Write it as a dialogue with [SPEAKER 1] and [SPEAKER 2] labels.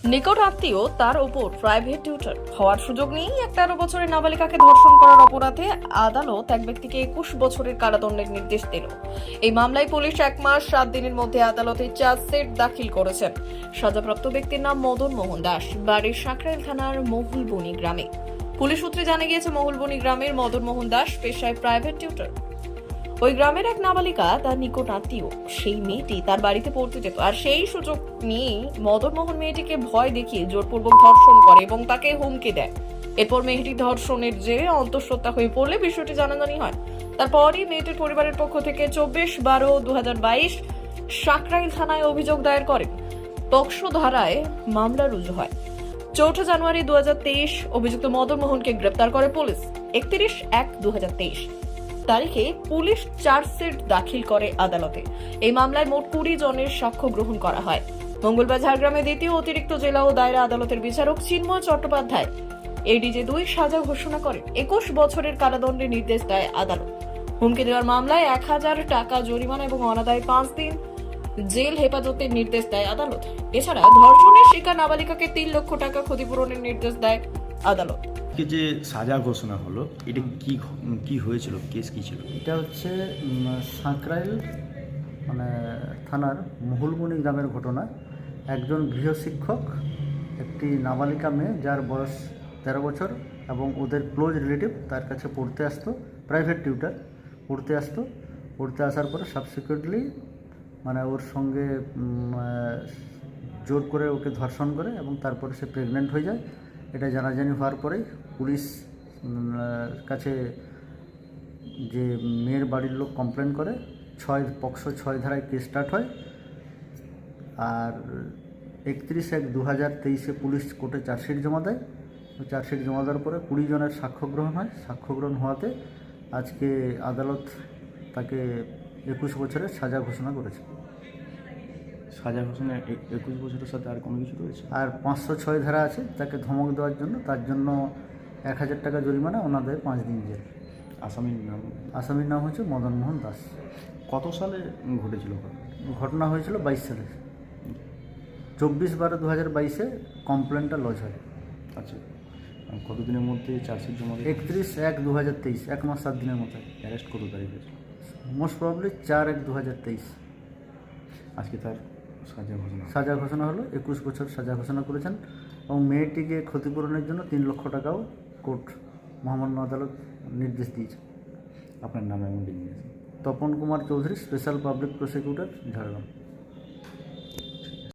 [SPEAKER 1] নিকট আত্মীয় তার ওপর প্রাইভেট টিউটর হওয়ার সুযোগ নিয়েই এক 13 বছরের নাবালিকাকে ধর্ষণ করার অপরাধে আদালত এক ব্যক্তিকে 21 বছরের কারাদণ্ডের নির্দেশ দিল। এই মামলায় পুলিশ 1 মাস 7 দিনের মধ্যে আদালতে চার্জশিট দাখিল করেছেন। সাজাপ্রাপ্ত ব্যক্তির নাম মদন মোহন দাস, বাড়ি সাঁকরাইল থানার মহুলবনি গ্রামে। পুলিশ সূত্রে জানা গিয়েছে, মহুলবনি গ্রামের মদন মোহন দাস পেশায় প্রাইভেট টিউটর। ওই গ্রামের এক নাবালিকা তার নিকট আত্মীয়, সেই মেয়েটি তার বাড়িতে পড়তে যেত, আর সেই সুযোগ নিয়ে মদন মোহন মেয়েটিকে ভয় দেখিয়ে জোরপূর্বক ধর্ষণ করে এবং তাকে হুমকি দেয়। এরপর মেয়েটি ধর্ষণের জেরে অন্তঃসত্ত্বা হয়ে পড়লে বিষয়টি জানাজানি হয়। তারপরই মেয়েটির পরিবারের পক্ষ থেকে 24/12/2022 সাঁকরাইল থানায় অভিযোগ দায়ের করেন। পক্সো ধারায় মামলা রুজু হয়। 4 জানুয়ারি 2023 অভিযুক্ত মদন মোহনকে গ্রেপ্তার করে পুলিশ। 31/1/2023 তারিখে পুলিশ চার্জশিট দাখিল করে আদালতে। এই মামলায় মোট 20 জনের সাক্ষ্য গ্রহণ করা হয়। মঙ্গলবার ঝাড়গ্রামে দ্বিতীয় অতিরিক্ত জেলা ও দায়রা আদালতের বিচারক চিন্ময় চট্টোপাধ্যায় এডিজে 2 সাজা ঘোষণা করেন। 21 বছরের কারাদণ্ডের নির্দেশ দেয় আদালত। হুমকি দেওয়ার মামলায় 1000 টাকা জরিমানা এবং অনাদায়ে 5 দিন জেল হেফাজতের নির্দেশ দেয় আদালত। এছাড়া ধর্ষণের শিকার নাবালিকাকে 3 লক্ষ টাকা ক্ষতিপূরণের নির্দেশ দেয় আদালত।
[SPEAKER 2] যে সাজা ঘোষণা হলো, এটা কি হয়েছিল, কেস কি ছিল?
[SPEAKER 3] এটা হচ্ছে সাঁকরাইল থানার মহুলবনি গ্রামের ঘটনা। একজন গৃহশিক্ষক একটি নাবালিকা মেয়ে, যার বয়স 13 বছর এবং ওদের ক্লোজ রিলেটিভ, তার কাছে পড়তে আসতো, প্রাইভেট টিউটার পড়তে আসার পরে সাবসিকুয়েন্টলি ওর সঙ্গে জোর করে ওকে ধর্ষণ করে এবং তারপরে সে প্রেগনেন্ট হয়ে যায়। এটা জানাজানি হওয়ার পরেই পুলিশ কাছে যে মেয়ের বাড়ির লোক কমপ্লেন করে, পক্সো 6 ধারায় কেস স্টার্ট হয়। আর 31/1/2023 পুলিশ কোর্টে চার্জশিট জমা দেয়। চার্জশিট জমা দেওয়ার পরে 20 জনের সাক্ষ্য গ্রহণ হয়। সাক্ষ্য গ্রহণ হওয়াতে আজকে আদালত তাকে 21 বছরের সাজা ঘোষণা করেছে।
[SPEAKER 2] সাজা ঘোষণা 21 বছরের সাথে আর কোনো কিছু রয়েছে?
[SPEAKER 3] আর 506 ধারা আছে তাকে ধমক দেওয়ার জন্য, তার জন্য 1000 টাকা জরিমানা, অনাদায়ে 5 দিন জেল। আসামির নাম হচ্ছে মদন মোহন দাস।
[SPEAKER 2] কত সালে ঘটেছিল?
[SPEAKER 3] ঘটনা হয়েছিল 22 সালে। 24/12/2022 কমপ্লেনটা লজ হয়।
[SPEAKER 2] আচ্ছা, কতদিনের মধ্যে চার্জশিট জমা?
[SPEAKER 3] 31/1/2023, 1 মাস 7 দিনের মধ্যে।
[SPEAKER 2] অ্যারেস্ট কত তারিখ হয়েছে?
[SPEAKER 3] Most probably 4/1/2023।
[SPEAKER 2] আজকে তার
[SPEAKER 3] সাজা ঘোষণা হলো। 21 বছর সাজা ঘোষণা করেছেন এবং মেয়েটিকে ক্ষতিপূরণের জন্য 3 লক্ষ টাকাও কোর্ট মহামান্য আদালত নির্দেশ দিয়েছে।
[SPEAKER 2] আপনার নাম এবং designation?
[SPEAKER 3] Tapan Kumar Chowdhury, special public prosecutor, Jhargram.